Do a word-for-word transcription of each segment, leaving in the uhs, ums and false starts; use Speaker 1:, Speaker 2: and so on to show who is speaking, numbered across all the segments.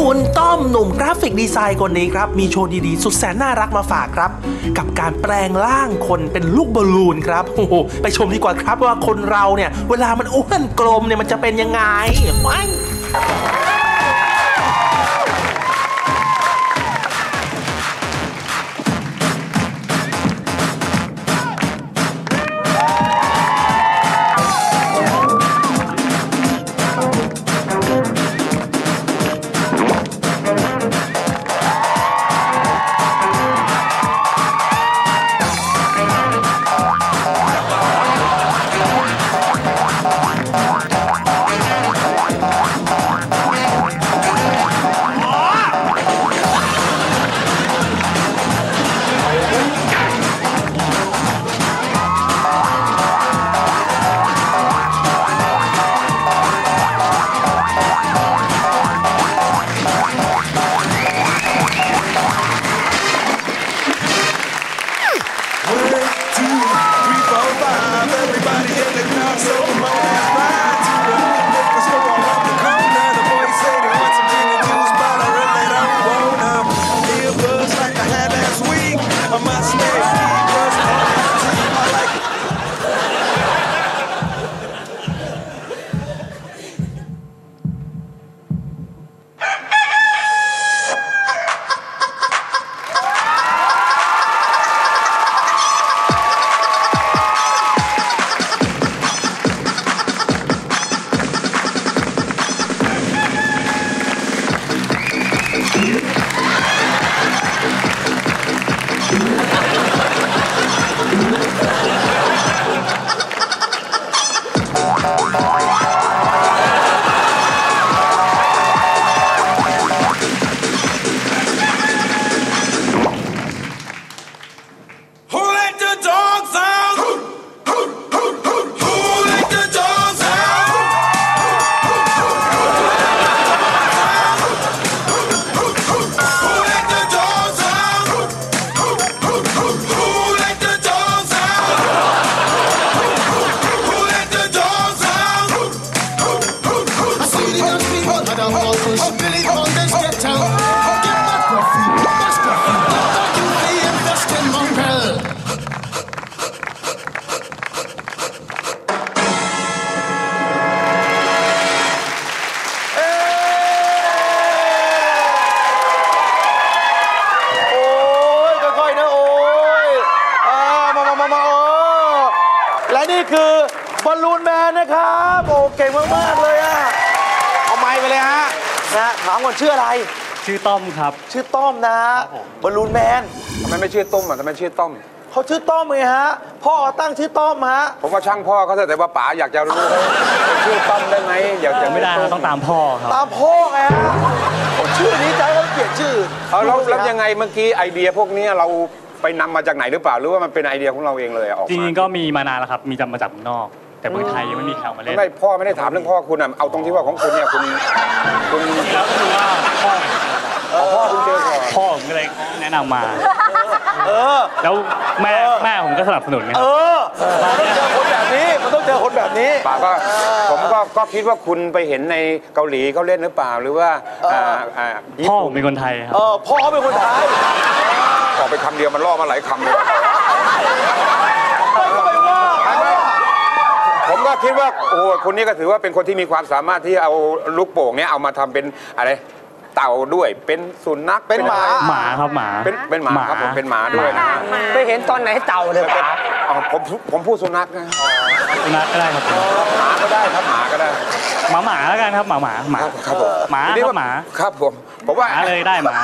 Speaker 1: คุณต้อมหนุ่มกราฟิกดีไซน์คนนี้ครับมีโชว์ดีๆสุดแสนน่ารักมาฝากครับกับการแปลงร่างคนเป็นลูกบอลลูนครับโอ้โหไปชมดีกว่าครับว่าคนเราเนี่ยเวลามันอ้วนกลมเนี่ยมันจะเป็นยังไงไป
Speaker 2: และนี่คือบอลลูนแมนนะครับโอ้เก่งมากๆเลยอ่ะเอาไมค์ไปเลยฮะนะถามก่อนชื่ออะไร
Speaker 3: ชื่อต้อมครับ
Speaker 2: ชื่อต้อมนะบอลลูนแมน
Speaker 4: ทำไมไม่ชื่อต้มอ่ะทำไมชื่อต้ม
Speaker 2: เขาชื่อต้อมไงฮะพ่อตั้งชื่อต้อมฮะ
Speaker 4: ผมว่าช่างพ่อเขาแต่ว่าป๋าอยากจะรู้ชื่อต้อมได้ไหมอยากจะ
Speaker 3: ไม่ได้ต้องตามพ่อครับ
Speaker 2: ตามพ่อไงฮะชื่อนี้ใจเขาเปลี่ยนชื่อ
Speaker 4: เอาแล้วแล้วยังไงเมื่อกี้ไอเดียพวกนี้เราไปนำมาจากไหนหรือเปล่าหรือว่ามันเป็นไอเดียของเราเองเลยออกมา
Speaker 3: จริงๆก็มีมานานแล้วครับมีจำมาจากเมืองนอกแต่เมืองไทยยังไม่มีแข่งมาเล่น
Speaker 4: ไม่พ่อไม่ได้ถามเรื่องพ่อคุณอ่ะเอาตรงที่ว่าของคุณเนี่ยคุณคุณ
Speaker 3: แล้วก็คือว่าพ่อ
Speaker 4: พ่อคุณเจอก่อน
Speaker 3: พ่อผมก็เลยแนะนำมาเออแล้วแม่แม่ผมก็สนับสนุนไง
Speaker 2: เออมันต้องเจอคนแบบนี้มันต้องเจอคนแบบนี้
Speaker 4: ป๋าก็ผมก็ก็คิดว่าคุณไปเห็นในเกาหลีเขาเล่นหรือเปล่าหรือว่า
Speaker 3: พ่อผมเป็นคนไทยครับ
Speaker 2: เออพ่อเขาเป็นคนไทย
Speaker 4: ออกไปคำเดียวมันล่อมาหลายคำเลยผมก็คิดว่าโอ้คนนี้ก็ถือว่าเป็นคนที่มีความสามารถที่เอาลูกโป่งเนี้ยเอามาทำเป็นอะไรเต่าด้วยเป็นสุนัข
Speaker 2: เป็นหมา
Speaker 3: หมาครับหมา
Speaker 4: เป็นเป็นหมาครับผมเป็นหมาด้วยนะ
Speaker 5: ไปเห็นตอนไหนเต่าเลยป๋า
Speaker 4: ผมผมพูดสุนัขนะ
Speaker 3: สุนัขก็ได้ครับ
Speaker 4: หมาก็ได้ครับหมาก็ได้
Speaker 3: หมาหมาแล้วกันครับหมาหมาหมา
Speaker 4: ครับผม
Speaker 3: หมาครับหมา
Speaker 4: ครับผมผมว่า
Speaker 3: เลยได้หมา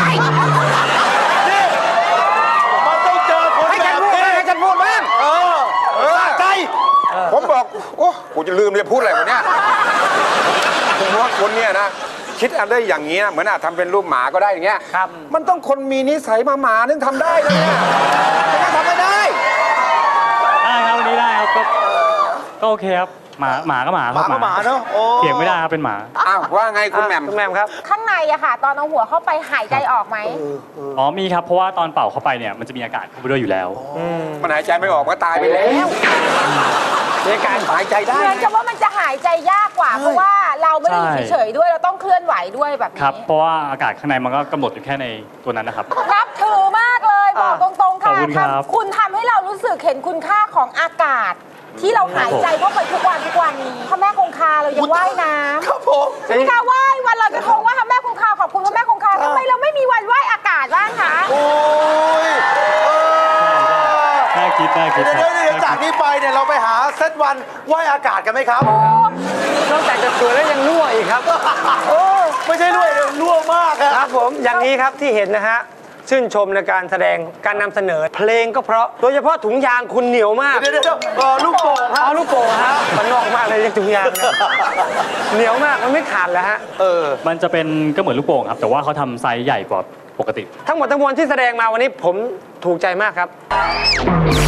Speaker 2: มันต้องเจอคนแบบนี้
Speaker 4: ให้ฉันพูดบ้าง
Speaker 2: เออสะใจ
Speaker 4: ผมบอกโอ้กูจะลืมเลยพูดอะไรวะเนี่ยผมว่าคนเนี้ยนะคิดอะไรอย่างเงี้ยเหมือนอาจทำเป็นรูปหมาก็ได้อย่างเงี้ย
Speaker 5: ครับ
Speaker 4: มันต้องคนมีนิสัยมาหมาถึงทำได้เลยเนี่ยไม่ทำไม่ได้
Speaker 3: ได้ครับวันนี้ได้ครับก็ก็โอเคครับหมาหมาก็หมา
Speaker 2: หมาก็หมาเนาะ
Speaker 3: เถียงไม่ได้ครับเป็นหมา
Speaker 4: อ้าวว่าไงคุณแหม่ม
Speaker 5: คุณแหม่มครับ
Speaker 6: ข้างในอะค่ะตอนเอาหัวเข้าไปหายใจออกไหม
Speaker 3: อ๋อมีครับเพราะว่าตอนเป่าเข้าไปเนี่ยมันจะมีอากาศเข้าไปด้วยอยู่แล้ว
Speaker 4: มันหายใจไม่ออกก็ตายไปแล้วในการหายใจได้
Speaker 6: เหมือนกับว่ามันจะหายใจยากกว่าเพราะว่าเราไม่ได้อยู่
Speaker 3: ใช่
Speaker 6: เฉยๆด้วยเราต้องเคลื่อนไหวด้วยแบบ
Speaker 3: ครับ
Speaker 6: นี้
Speaker 3: เพราะว่าอากาศข้างในมันก็กำหนดอยู่แค่ในตัวนั้นนะครับ
Speaker 6: นับถือมากเลยบอกตรงๆ
Speaker 3: ขอบ
Speaker 6: ค่ะ
Speaker 3: คุณครับ
Speaker 6: ทำคุณทำให้เรารู้สึกเห็นคุณค่าของอากาศ ที่เราหายใจเข้าไปทุกวันทุกวันนี้พระแม่คงคาเรายังว่ายน้ำ
Speaker 2: ครับผม
Speaker 6: ใช่ไหมคะว่ายวันลอยกระทงว่าพระแม่คงคาขอบคุณพระแม่คงคาทำไมเราไม่มีวันว่ายอากาศบ้างคะ
Speaker 2: โอ้ยเออ
Speaker 3: น่าคิดน่าคิด
Speaker 2: เดี๋ยว
Speaker 3: ค
Speaker 2: เดี๋
Speaker 3: รั
Speaker 2: ยว
Speaker 3: บ
Speaker 2: เดี๋ยวจากนี้ไปเนี่ยเราไปหาเซตวันว่ายอากาศกันไหมครับ
Speaker 5: นอกจากจะสวยแล้วยังรั่วอีกครับ
Speaker 2: โอ้ไม่ใช่ด้วยเลยรั่วมากอะ
Speaker 5: ครับผมอย่างนี้ครับที่เห็นนะฮะชื่นชมในการแสดงการนำเสนอเพลงก็เพราะโดยเฉพาะถุงยางคุณเหนียวมาก
Speaker 2: เดี๋ยวเดี๋ยวเดี๋ยวเออลูกโป่งฮะ
Speaker 5: เอาลูกโป่งฮะมันนอกมากเลยถุงยางเนี่ยเหนียวมากมันไม่ขาดแล้วฮะ
Speaker 2: เออ
Speaker 3: มันจะเป็นก็เหมือนลูกโป่งครับ แต่ว่าเขาทำไซส์ใหญ่กว่าปกติ
Speaker 5: ทั้งหมดทั้งมวลที่แสดงมาวันนี้ผมถูกใจมากครับ